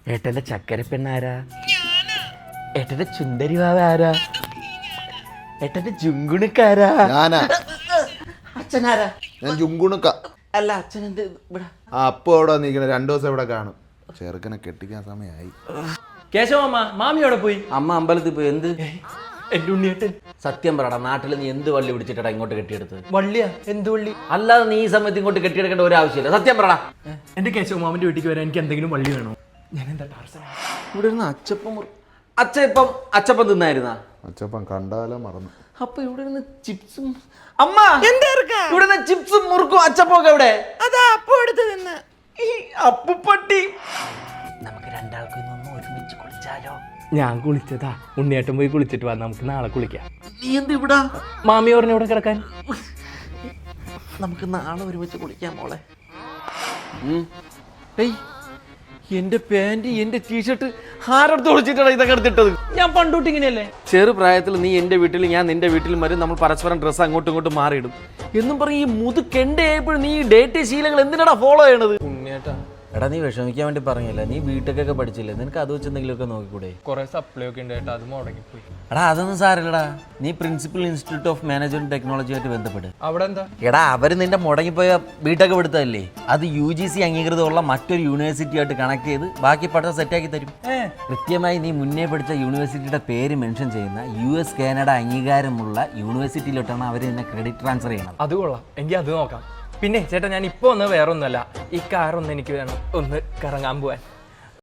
ഏട്ടന്റെ ചക്കര പെണ്ണാരാ? ഏട്ടന്റെ ചുന്ദരി വാവ ആരാ? ഏട്ടന്റെ ജുങ്കുണുക്കാരാ? ഞാനാ. അച്ഛനാരാ? ഞാൻ ജുങ്കുണുക്ക. അല്ല അച്ഛൻ എന്ത് ഇവിടെ? അപ്പൊ അവിടെ നിൽക്കണ 2 ദിവസം ഇവിടെ കാണും. ചെറുക്കനെ കെട്ടിക്കാൻ സമയമായി. കേശവമ്മ മാമി അവിടെ പോയി. അമ്മ അമ്പലത്തിൽ പോയി. എന്ത്? എന്റെ ഉണ്ണിയേട്ടൻ. സത്യം പറടാ, നാട്ടിൽ നീ എന്ത് വള്ളി പിടിച്ചിട്ടാ ഇങ്ങോട്ട് കെട്ടിയെടുത്തത്? വള്ളിയാ? എന്ത് വള്ളി? അല്ലാതെ നീ ഈ സമയത്ത് ഇങ്ങോട്ട് കെട്ടിയെടുക്കേണ്ട ഒരു ആവശ്യമില്ല. സത്യം പറടാ. എന്റെ കേശവമാമന്റെ വീട്ടിലേക്ക് വരാൻ എനിക്ക് എന്തെങ്കിലും വള്ളി വേണോ? ഞാൻ എന്താ ഇവിടെ ഇരുന്ന് അച്ചപ്പം തിന്നായിരുന്നാ? അച്ചപ്പം കണ്ടാലോ മറന്നു. അപ്പൊ ഇവിടെ ഇരുന്ന് ചിപ്സും അമ്മ ഇവിടെ നിന്ന് ചിപ്സും മുറുക്കും അച്ചപ്പം ഒക്കെ എവിടെ? അതാ അപ്പൊ എടുത്ത് തിന്ന് ഈ അപ്പുപ്പട്ടി. നമുക്ക് രണ്ടാൾക്കും ഇന്നൊന്ന് ഒരുമിച്ച് കുളിച്ചാലോ? ഞാൻ കുളിച്ചതാ, ഉണ്ണിയേട്ടൻ പോയി കുളിച്ചിട്ട് വാ, നമുക്ക് നാളെ കുളിക്കാം. നീ എന്ത് ഇവിടെ? മാമി പറഞ്ഞു ഇവിടെ കിടക്കാൻ. നമുക്ക് നാളെ ഒരുമിച്ച് കുളിക്കാം മോളെ. ഏയ്, എന്റെ പാന്റ് എന്റെ ടീഷർട്ട് ആരടുത്ത് ഒളിച്ചിട്ടാണ് ഇതൊക്കെ എടുത്തിട്ടത്? ഞാൻ പണ്ടോട്ട് ഇങ്ങനെയല്ലേ? ചെറുപ്രായത്തിൽ നീ എന്റെ വീട്ടിൽ ഞാൻ നിന്റെ വീട്ടിലും വരും, നമ്മൾ പരസ്പരം ഡ്രസ്സ് അങ്ങോട്ടും ഇങ്ങോട്ടും മാറിയിടും എന്നും പറഞ്ഞ് ഈ മുതുക്കെണ്ടായപ്പോഴും നീ ഡേറ്റ് ശീലങ്ങൾ എന്തിനാടാ ഫോളോ ചെയ്യണത്? ഉണ്ണിയേട്ടാ, എടാ നീ വിഷമിക്കാൻ വേണ്ടി പറഞ്ഞില്ല, നീ ബിടെക്കൊക്കെ പഠിച്ചില്ലേ, നിനക്ക് അത് വെച്ച് എന്തെങ്കിലുമൊക്കെ നോക്കിക്കൂടെ? കുറെ സപ്ലൈ ഒക്കെ ഉണ്ട് ഏട്ടാ, അത് മുടങ്ങിപ്പോയി. എടാ അതൊന്നും സാരില്ലടാ, നീ principal institute of management technology ആയിട്ട് ബന്ധപ്പെട്ട്. അവിടെ എന്താ? എടാ അവര് നിന്റെ മുടങ്ങിപ്പോയ ബിടെക് എടുത്തതല്ലേ, അത് UGC അംഗീകൃതമുള്ള മറ്റൊരു യൂണിവേഴ്സിറ്റി ആയിട്ട് കണക്ട് ചെയ്ത് ബാക്കി പഠനം സെറ്റാക്കി തരും. കൃത്യമായി നീ മുന്നേ പഠിച്ച യൂണിവേഴ്സിറ്റിയുടെ പേര് മെൻഷൻ ചെയ്യുന്ന US കാനഡ അംഗീകാരമുള്ള യൂണിവേഴ്സിറ്റിയിലോട്ടാണ് അവർ നിന്നെ ക്രെഡിറ്റ് ട്രാൻസ്ഫർ ചെയ്യണം. അത് കൊള്ളാം, എങ്കിൽ അത് നോക്കാം. പിന്നെ ചേട്ടാ, ഞാൻ ഇപ്പോൾ ഒന്ന് വേറെ ഒന്നുമല്ല, ഈ കാറൊന്ന് എനിക്ക് വേണം, ഒന്ന് കറങ്ങാൻ പോവാൻ.